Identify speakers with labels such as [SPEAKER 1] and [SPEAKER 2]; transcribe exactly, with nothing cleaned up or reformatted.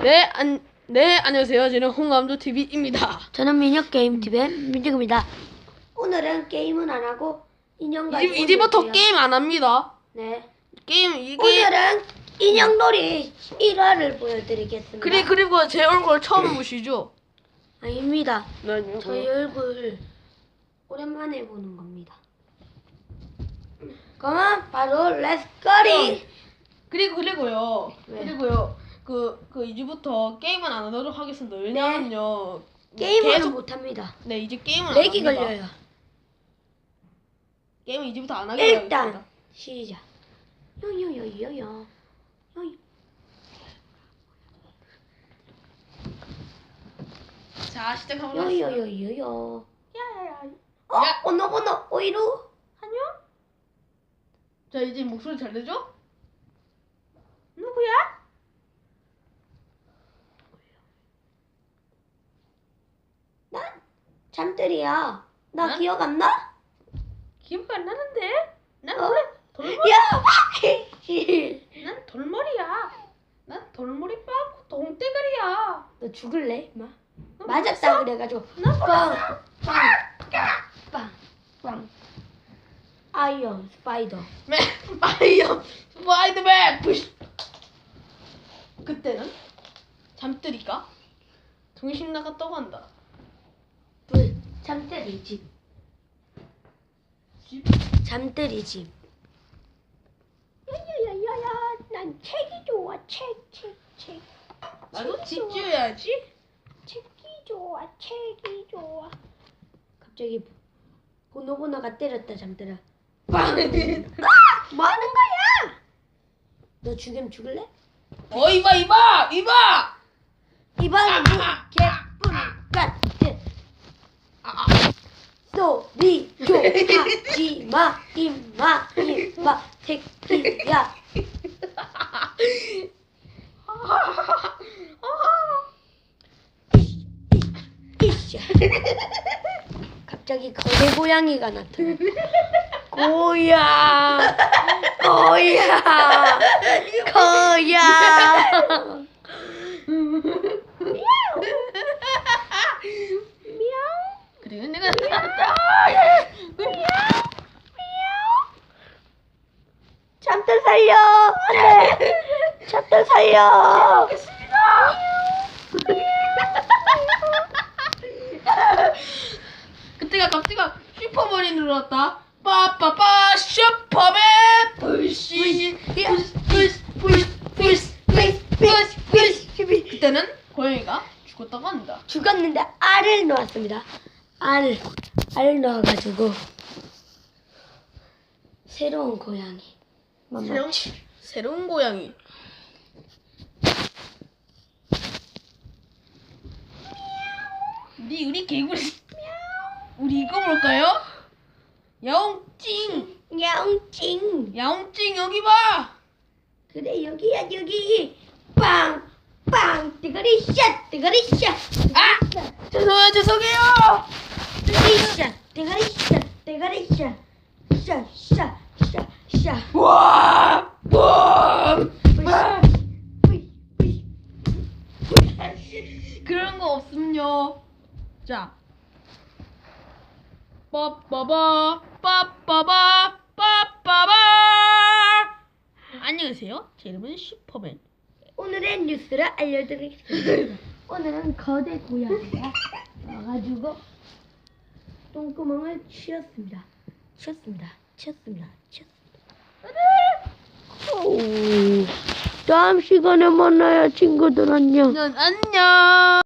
[SPEAKER 1] 네, 안, 네, 안녕하세요. 저는 홍감도 티비입니다.
[SPEAKER 2] 저는 민혁게임티비의 민혁입니다. 오늘은 게임은 안 하고 인형 가지고
[SPEAKER 1] 이제, 이제부터
[SPEAKER 2] 놀게요.
[SPEAKER 1] 게임 안 합니다.
[SPEAKER 2] 네.
[SPEAKER 1] 게임, 이게.
[SPEAKER 2] 오늘은 인형놀이 일 화를 보여드리겠습니다.
[SPEAKER 1] 그리, 그리고 제 얼굴 처음 보시죠?
[SPEAKER 2] 아닙니다.
[SPEAKER 1] 네,
[SPEAKER 2] 저희 얼굴 오랜만에 보는 겁니다. 그러면 바로 렛츠고리.
[SPEAKER 1] 그리고, 그리고요.
[SPEAKER 2] 왜?
[SPEAKER 1] 그리고요. 그, 그, 이제부터 게임은 안 하도록 하겠습니다. 왜냐면요.
[SPEAKER 2] 게임은
[SPEAKER 1] 계속-
[SPEAKER 2] 못합니다.
[SPEAKER 1] 네, 이제 게임은 안
[SPEAKER 2] 렉이
[SPEAKER 1] 합니다.
[SPEAKER 2] 걸려요.
[SPEAKER 1] 게임은 이제부터 안 하기로 하겠습니다.
[SPEAKER 2] 일단 시작. 요요요요요. 요요.
[SPEAKER 1] 자, 시작하도록 하겠습니다.
[SPEAKER 2] 요요요요요.
[SPEAKER 1] 야야야.
[SPEAKER 2] 어?
[SPEAKER 1] 야.
[SPEAKER 2] 번호 번호 오이루.
[SPEAKER 1] 안녕? 자, 이제 목소리 잘 되죠? 누구야?
[SPEAKER 2] 난 잠들이야. 나
[SPEAKER 1] 난?
[SPEAKER 2] 기억 안 나?
[SPEAKER 1] 기억 안 나는데? 난
[SPEAKER 2] 어?
[SPEAKER 1] 원래 돌머리,
[SPEAKER 2] 야!
[SPEAKER 1] 난 돌머리야. 난 돌머리 빵 동대가리야.
[SPEAKER 2] 너 죽을래, 마?
[SPEAKER 1] 너
[SPEAKER 2] 맞았다
[SPEAKER 1] 몰랐어?
[SPEAKER 2] 그래가지고
[SPEAKER 1] 난
[SPEAKER 2] 빵, 빵, 빵, 빵. 아이언 스파이더.
[SPEAKER 1] 맨, 파이어, 스파이더맨, 부시. 그때는 잠들이가 정신 나갔다고 한다.
[SPEAKER 2] 불 잠들이 집.
[SPEAKER 1] 집?
[SPEAKER 2] 잠들이 집. 야야야야야, 난 책이 좋아. 책, 책, 책.
[SPEAKER 1] 나도
[SPEAKER 2] 책이
[SPEAKER 1] 집
[SPEAKER 2] 좋아.
[SPEAKER 1] 지어야지.
[SPEAKER 2] 책이 좋아. 책이 좋아. 갑자기 보노보노가 때렸다 잠들아. 빵! 뭐 하는 거야? 너 죽이면 죽을래?
[SPEAKER 1] 어, 이봐, 이봐, 이봐.
[SPEAKER 2] 이번엔 뭐 개뿔 같은 소리 좀 하지마 임마 임마 새끼야. 이씨. 갑자기 거대 고양이가 나타나. 고야 고야 고야.
[SPEAKER 1] 그리고 내가 나왔다.
[SPEAKER 2] 잠들 살려. 안돼. 잠들 살려.
[SPEAKER 1] 그때가 갑자기가 슈퍼맨이 늘어났다. 빠빠빠 슈퍼맨 불씨 불씨 불씨 불씨 불씨 불씨. 그때는 고양이가 죽었다고 합니다.
[SPEAKER 2] 죽었는데 알을 넣었습니다. 알, 알 넣어가지고 새로운 고양이. 맘마.
[SPEAKER 1] 새로운 새로운 고양이. 우리 우리 개구리. 우리 이거 볼까요? 야옹찡
[SPEAKER 2] 야옹찡.
[SPEAKER 1] 야옹찡 여기 봐.
[SPEAKER 2] 그래 여기야 여기. 빵, 빵. 뜨거리 샷, 뜨거리 샷.
[SPEAKER 1] 아! 죄송해요 죄송해요.
[SPEAKER 2] 뜨거리 샷, 뜨거리 샷, 뜨거리 샷. 샷, 샷, 샷, 샷.
[SPEAKER 1] 와! 와! 그런 거 없음요. 자. 빠빠바 빠빠바 빠빠바. 안녕하세요. 제 이름은 슈퍼맨.
[SPEAKER 2] 오늘의 뉴스를 알려드리겠습니다. 오늘은 거대 고양이가 와가지고 똥구멍을 치웠습니다. 치웠습니다. 치웠습니다. 치웠습니다. 오, 다음 시간에 만나요, 친구들. 안녕.
[SPEAKER 1] 안녕.